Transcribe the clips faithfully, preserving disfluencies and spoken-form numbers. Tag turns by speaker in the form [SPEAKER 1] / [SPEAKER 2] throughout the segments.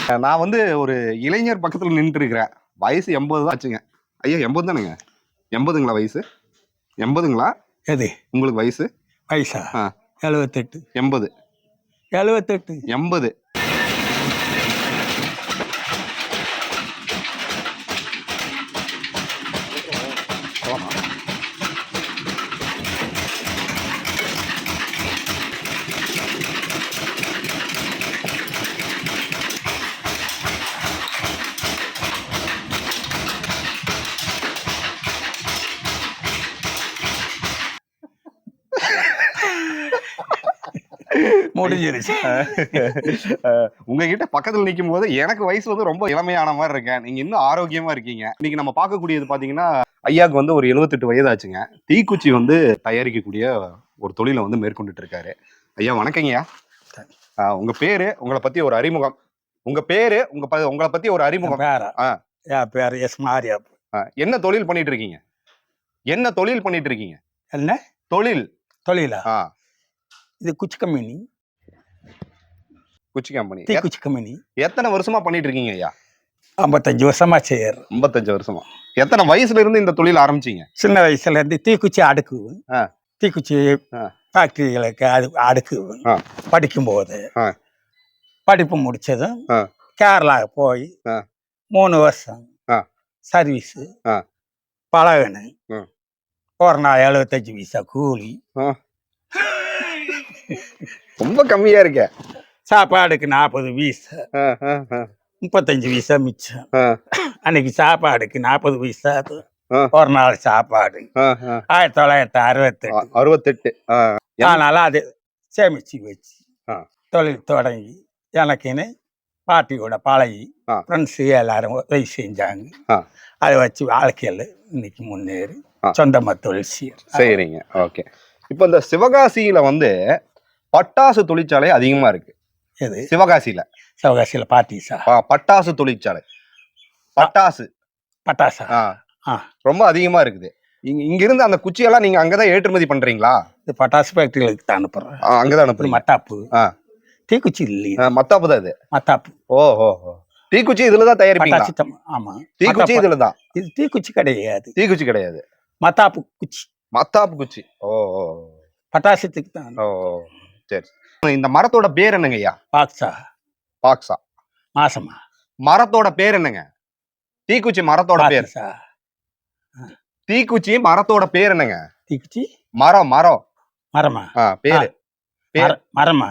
[SPEAKER 1] நான் வந்து ஒரு இளைஞர் பக்கத்துல நின்று இருக்கிறேன். வயசு எண்பது தான் ஆச்சுங்க. ஐயா எண்பது தானுங்க? எண்பதுங்களா வயசு? எண்பதுங்களா?
[SPEAKER 2] எது
[SPEAKER 1] உங்களுக்கு வயசு?
[SPEAKER 2] வயசா? எழுபத்தெட்டு.
[SPEAKER 1] எண்பது
[SPEAKER 2] எழுபத்தெட்டு
[SPEAKER 1] எண்பது
[SPEAKER 2] முடிஞ்சிருச்சு.
[SPEAKER 1] உங்ககிட்ட பக்கத்துல நிற்கும் போது எனக்கு வயசு வந்து ரொம்ப இளமையான மாதிரி இருக்கேன். நீங்க இன்னும் ஆரோக்கியமா இருக்கீங்க. இன்னைக்கு நம்ம பார்க்கக்கூடியது பாத்தீங்கன்னா ஐயாவுக்கு வந்து ஒரு எழுபத்தெட்டு வயது ஆச்சுங்க. தீக்குச்சி வந்து தயாரிக்கக்கூடிய ஒரு தொழிலை வந்து மேற்கொண்டுட்டு இருக்காரு. ஐயா வணக்கங்கய்யா. உங்க பேரு, உங்களை பத்தி ஒரு அறிமுகம். உங்க பேரு, உங்க உங்களை பத்தி ஒரு அறிமுகம்.
[SPEAKER 2] பேரு எஸ் மாரியா.
[SPEAKER 1] என்ன தொழில் பண்ணிட்டு இருக்கீங்க? என்ன தொழில் பண்ணிட்டு இருக்கீங்க?
[SPEAKER 2] என்ன
[SPEAKER 1] தொழில்?
[SPEAKER 2] தொழிலா? இது குச்சி கம்பெனி.
[SPEAKER 1] குச்சி கம்பெனி.
[SPEAKER 2] குச்சி கம்பெனி
[SPEAKER 1] எத்தனை வருஷமா பண்ணிட்டு இருக்கீங்க ஐயா?
[SPEAKER 2] ஐம்பத்தஞ்சு வருஷமா செய்யற.
[SPEAKER 1] ஐம்பத்தஞ்சு வருஷமா. எத்தனை வயசுல இருந்து இந்த தொழில் ஆரம்பிச்சீங்க?
[SPEAKER 2] சின்ன வயசுல இருந்து தீக்குச்சி அடுக்குவேன். தீக்குச்சி ஃபேக்டரிகளுக்கு அது அடுக்குவேன். படிக்கும் போது படிப்பு முடிச்சதும் கேரளா போய் மூணு வருஷம் சர்வீஸ் பழகணும். ஒரு நாள் எழுபத்தஞ்சு பைசா கூலி.
[SPEAKER 1] ரொம்ப கம்மியா இருக்க.
[SPEAKER 2] சாப்பாடுக்கு நாற்பது பைசா, முப்பத்தஞ்சு பைசா மிச்சம். அன்னைக்கு சாப்பாடுக்கு நாற்பது பைசா ஒரு நாள் சாப்பாடு. ஆயிரத்தி தொள்ளாயிரத்தி அறுபத்தெட்டு
[SPEAKER 1] அறுபத்தெட்டு
[SPEAKER 2] அதனால அது சேமிச்சு வச்சு தொழில் தொடங்கி எனக்குன்னு பாட்டியோட பழகி ஃப்ரெண்ட்ஸு எல்லாரும் உதவி செஞ்சாங்க. அதை வச்சு வாழ்க்கையில் இன்னைக்கு முன்னேறி சொந்தமா தொழில் செய்யற.
[SPEAKER 1] சரிங்க, ஓகே. இப்போ இந்த சிவகாசியில வந்து பட்டாசு தொழிற்சாலை அதிகமா இருக்கு.
[SPEAKER 2] எது?
[SPEAKER 1] சிவகாசியில.
[SPEAKER 2] சிவகாசியில பாட்டிஸா?
[SPEAKER 1] பட்டாசு தொழிற்சாலை. பட்டாசு
[SPEAKER 2] பட்டாசா
[SPEAKER 1] ரொம்ப அதிகமா இருக்குது. இங்க இங்க இருந்து அந்த குச்சியெல்லாம் நீங்க அங்கதான் ஏற்றுமதி பண்றீங்களா?
[SPEAKER 2] இது பட்டாசு ஃபேக்டரிகளுக்கு தான் அனுப்புறேன்.
[SPEAKER 1] அங்கதான் அனுப்புறீங்க.
[SPEAKER 2] மத்தாப்பு தீக்குச்சி இல்லையா?
[SPEAKER 1] மத்தாப்பு தான் இது.
[SPEAKER 2] மத்தாப்பு.
[SPEAKER 1] ஓ ஓ தீக்குச்சி இதுலதான் தயாரிப்பீங்க?
[SPEAKER 2] ஆமா,
[SPEAKER 1] தீக்குச்சி இதுலதான்.
[SPEAKER 2] இது தீக்குச்சி கிடையாது.
[SPEAKER 1] தீக்குச்சி கிடையாது,
[SPEAKER 2] மத்தாப்பு குச்சி.
[SPEAKER 1] மத்தாப்பு குச்சி. ஓ ஓ
[SPEAKER 2] பட்டாசத்துக்கு தான்.
[SPEAKER 1] ஓ சரி. இந்த மரத்தோட பேர் என்னங்க ஐயா?
[SPEAKER 2] பாக்ஸா.
[SPEAKER 1] பாக்ஸா
[SPEAKER 2] மாசமா?
[SPEAKER 1] மரத்தோட பேர் என்னங்க? தீக்குச்சி மரத்தோட பேர். தீக்குச்சி மரத்தோட பேர் என்னங்க?
[SPEAKER 2] தீக்குச்சி
[SPEAKER 1] மரம். மரம்
[SPEAKER 2] மரமா?
[SPEAKER 1] பேரு
[SPEAKER 2] மரமா?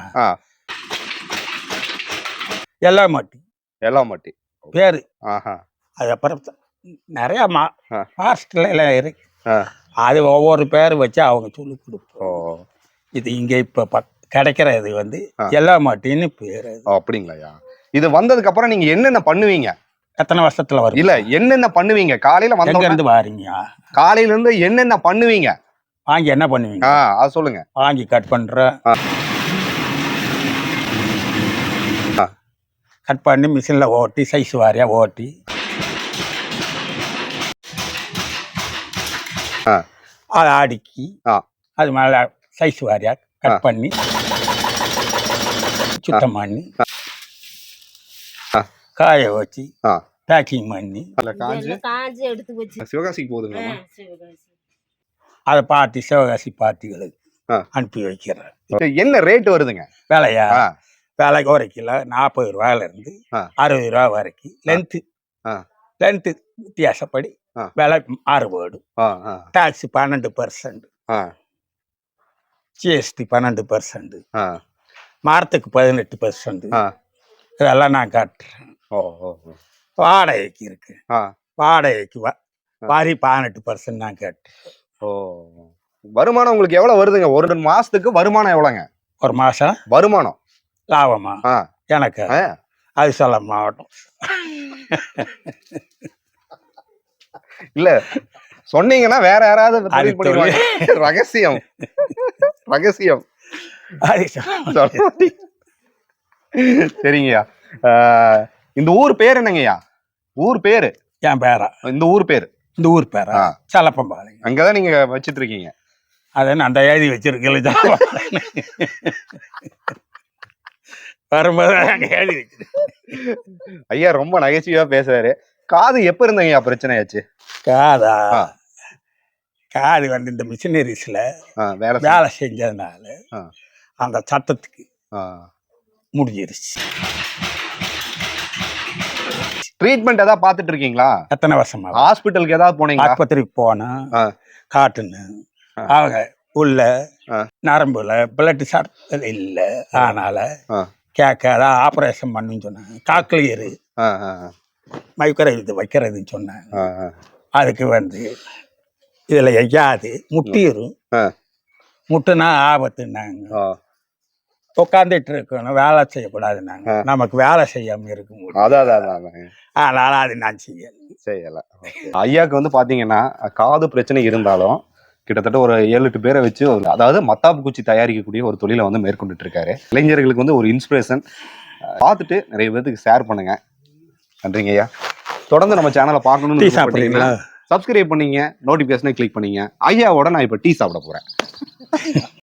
[SPEAKER 2] எல்லாமட்டி. எல்லாமட்டி
[SPEAKER 1] பேரு.
[SPEAKER 2] அது அப்புறம் நிறைய ஃபாரஸ்ட்ல எல்லாம் இருக்கு. அது ஒவ்வொரு பேர் வச்சு அவங்க சொல்லி கொடுப்போம். இது இங்க இப்ப கிடைக்கிற இது வந்து எல்லாமட்டின்னு பேரு.
[SPEAKER 1] அப்படிங்களா? இது வந்ததுக்கு அப்புறம் நீங்க என்னென்ன பண்ணுவீங்க?
[SPEAKER 2] எத்தனை வருஷத்துல வரும்? இல்ல,
[SPEAKER 1] என்னென்ன பண்ணுவீங்க? காலையில
[SPEAKER 2] வந்து இருந்து வாரீங்க.
[SPEAKER 1] காலையில இருந்து என்னென்ன பண்ணுவீங்க?
[SPEAKER 2] வாங்கி என்ன பண்ணுவீங்க?
[SPEAKER 1] அது சொல்லுங்க.
[SPEAKER 2] வாங்கி கட் பண்ற, கட் பண்ணி மிஷின்ல ஓட்டி சைஸ் வாரியா ஓட்டி அதை அடுக்கி அது மேல சைஸ் வாரியா கட் பண்ணி சுத்தம் பண்ணி காய வச்சு பேக்கிங் பண்ணி
[SPEAKER 1] சிவகாசிக்கு போகுதுங்க.
[SPEAKER 2] அதை பார்ட்டி சிவகாசி பார்ட்டிகளுக்கு அனுப்பி வைக்கிறேன்.
[SPEAKER 1] என்ன ரேட் வருதுங்க
[SPEAKER 2] விலையா? விலைக்கு ஒரு கிலோ நாற்பது ரூபாயில இருந்து அறுபது ரூபா வரைக்கும். லென்த்து லென்த்து வித்தியாசப்படி விலை மாறுபடும். டாக்ஸ் பன்னெண்டு பர்சன்ட், ஜிஎஸ்டி பன்னெண்டு பர்சன்ட், மரத்துக்கு பதினெட்டு பர்சன்ட். இதெல்லாம் நான் காட்டுறேன். வாடகைக்கு இருக்கு. வாடகைக்கு வரி பதினெட்டு பர்சன்ட் நான் கேட்டேன்.
[SPEAKER 1] ஓ வருமானம் உங்களுக்கு எவ்வளவு வருதுங்க? ஒரு மாசத்துக்கு வருமானம் எவ்வளவுங்க?
[SPEAKER 2] ஒரு மாசம்
[SPEAKER 1] வருமானம்
[SPEAKER 2] லாபமா? எனக்கு அது சொல்ல மாவட்டம்
[SPEAKER 1] இல்ல, சொன்னீங்கன்னா வேற யாராவது ரகசியம் ரகசியம் சரிங்கய்யா. இந்த ஊர் பேர் என்னங்கய்யா? ஊர் பேரு?
[SPEAKER 2] என் பேரா?
[SPEAKER 1] இந்த ஊர் பேரு?
[SPEAKER 2] இந்த ஊர் பேரா சலப்பம்பாளையம்.
[SPEAKER 1] அங்கதான் நீங்க வச்சிட்டு இருக்கீங்க?
[SPEAKER 2] அதான் அந்த எழுதி வச்சிருக்கீங்க. வரும்போது அங்க எழுதி வச்சிரு.
[SPEAKER 1] ஐயா ரொம்ப நகைச்சுவையா பேசுறாரு. காது எப்ப இருந்தங்க ஐயா பிரச்சனையாச்சு?
[SPEAKER 2] காதா
[SPEAKER 1] ஆ.
[SPEAKER 2] காது வந்து இந்த மிஷினரிஸ்ல
[SPEAKER 1] ஆ, வேலை செய்-
[SPEAKER 2] வேலை செஞ்சதுனால
[SPEAKER 1] ஆ.
[SPEAKER 2] அந்த சத்தத்துக்கு
[SPEAKER 1] ஆ.
[SPEAKER 2] முடிஞ்சிருச்சு.
[SPEAKER 1] ட்ரீட்மெண்ட் ஏதாவது பார்த்துட்டு இருக்கீங்களா?
[SPEAKER 2] எத்தனை வருஷமா
[SPEAKER 1] ஹாஸ்பிட்டலுக்கு ஏதாவது போனீங்களா?
[SPEAKER 2] ஆஸ்பத்திரிக்கு போனேன்,
[SPEAKER 1] ஆ.
[SPEAKER 2] காட்டுன்னு
[SPEAKER 1] ஆ.
[SPEAKER 2] அவங்க உள்ள
[SPEAKER 1] ஆ.
[SPEAKER 2] நரம்புல பிளட் சர்க்கரை இல்லை, அதனால
[SPEAKER 1] ஆ.
[SPEAKER 2] கேட்காத ஆப்ரேஷன் பண்ணுன்னு சொன்னாங்க. காக்லியரு
[SPEAKER 1] ஆ, ஆ, ஆ.
[SPEAKER 2] மைக்கிற இது வைக்கிறதுன்னு சொன்னாங்க.
[SPEAKER 1] ஆ, ஆ.
[SPEAKER 2] அதுக்கு வந்து இதுல எய்யாது முட்டிரும்,
[SPEAKER 1] ஆ.
[SPEAKER 2] முட்டுனா ஆபத்துனாங்க.
[SPEAKER 1] ஆ.
[SPEAKER 2] உட்காந்துட்டு இருக்கணும், வேலை செய்யக்கூடாதுன்னாங்க.
[SPEAKER 1] ஆ.
[SPEAKER 2] நமக்கு வேலை செய்யாம இருக்க முடியும்,
[SPEAKER 1] அதான் அதான் அதான்.
[SPEAKER 2] அதனால அது நான் செய்யல.
[SPEAKER 1] செய்யல. ஐயாக்கு வந்து பாத்தீங்கன்னா காது பிரச்சனை இருந்தாலும் கிட்டத்தட்ட ஒரு ஏழு எட்டு பேரை வச்சு ஒரு அதாவது மத்தாப்பு குச்சி தயாரிக்கக்கூடிய ஒரு தொழிலை வந்து மேற்கொண்டுட்டு இருக்காரு. இளைஞர்களுக்கு வந்து ஒரு இன்ஸ்பிரேஷன். பார்த்துட்டு நிறைய பேருக்கு ஷேர் பண்ணுங்க. நன்றிங்க ஐயா. தொடர்ந்து நம்ம சேனலை
[SPEAKER 2] டீ
[SPEAKER 1] பார்க்கணும்னு
[SPEAKER 2] சாப்பிட்றீங்களா?
[SPEAKER 1] சப்ஸ்கிரைப் பண்ணீங்க, நோட்டிபிகேஷனை கிளிக் பண்ணீங்க. ஐயாவோட நான் இப்ப டீ சாப்பிட போறேன்.